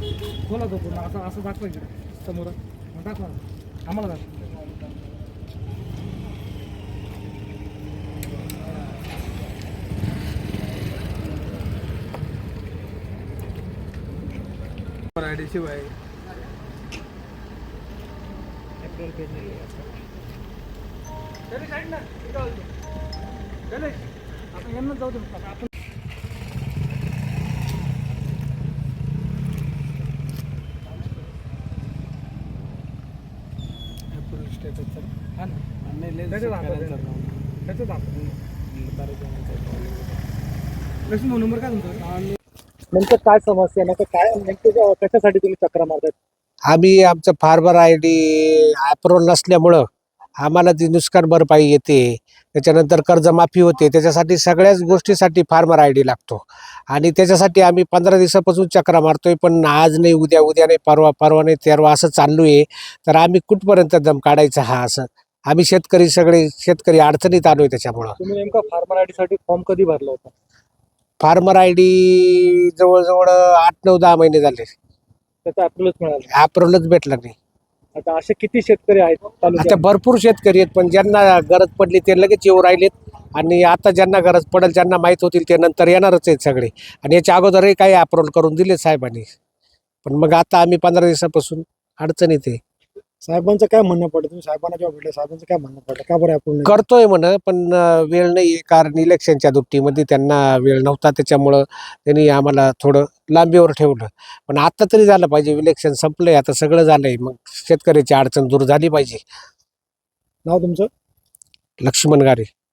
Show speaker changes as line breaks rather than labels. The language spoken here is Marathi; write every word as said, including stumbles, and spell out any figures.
बोला तो पूर्ण असं असं दाखवा इकडे समोर मग दाखवा आम्हाला दाखवा.
आयडी शिवाय
एप्रिल पेज नाही आपण यांना जाऊ दे आपण
स्टेटस
हा ना
नाही
त्याच्यात आपण त्याच्यात आपण प्रश्न नंबर काय तुमचा नेमकं काय समस्या नेमकं काय नेमकं कशासाठी तुम्ही चक्र मारतात?
आम्ही आमचं फार्मर आय डी अप्रूव्हल नसल्यामुळं आम्हाला ती नुकसान भरपाई येते, त्याच्यानंतर कर्जमाफी होते, त्याच्यासाठी सगळ्याच गोष्टीसाठी फार्मर आय डी लागतो आणि त्याच्यासाठी आम्ही पंधरा दिवसापासून चक्रा मारतोय. पण आज नाही उद्या, उद्या नाही परवा, परवा नाही तेरवा असं चालू आहे. तर आम्ही कुठपर्यंत दम काढायचा हा असं आम्ही शेतकरी सगळे शेतकरी अडचणीत आलोय. त्याच्यामुळं
तुम्ही नेमका फार्मर आय डी साठी फॉर्म कधी भरला होता?
फार्मर आय डी जवळजवळ आठ नऊ दहा महिने झाले,
त्याचा अप्रूव्हलच मिळाला.
अप्रूव्हलच भेटला नाही.
आता असे किती शेतकरी आहेत
आता
तालुक्यात?
भरपूर शेतकरी आहेत, पण ज्यांना गरज पडली ते लगेच येऊ राहिलेत आणि आता ज्यांना गरज पडेल ज्यांना माहीत होतील ते नंतर येणारच आहेत सगळे. आणि याच्या अगोदरही काही अप्रूव्हल करून दिले साहेबांनी, पण मग आता आम्ही पंधरा दिवसापासून अडचणीत आहे.
साहेबांचं काय म्हणणं पडलं? तुम्ही साहेबांना जेव्हा भेटले साहेबांचं काय म्हणणं पडलं? का बरं आपण
करतोय म्हण, पण अं, वेळ नाही आहे, कारण इलेक्शनच्या दुपटीमध्ये त्यांना वेळ नव्हता, त्याच्यामुळं त्यांनी आम्हाला थोडं लांबीवर ठेवलं. पण आता तरी झालं पाहिजे, इलेक्शन संपलंय, आता सगळं झालंय, मग शेतकऱ्याची अडचण दूर झाली पाहिजे.
नाव तुमचं?
लक्ष्मण गारे.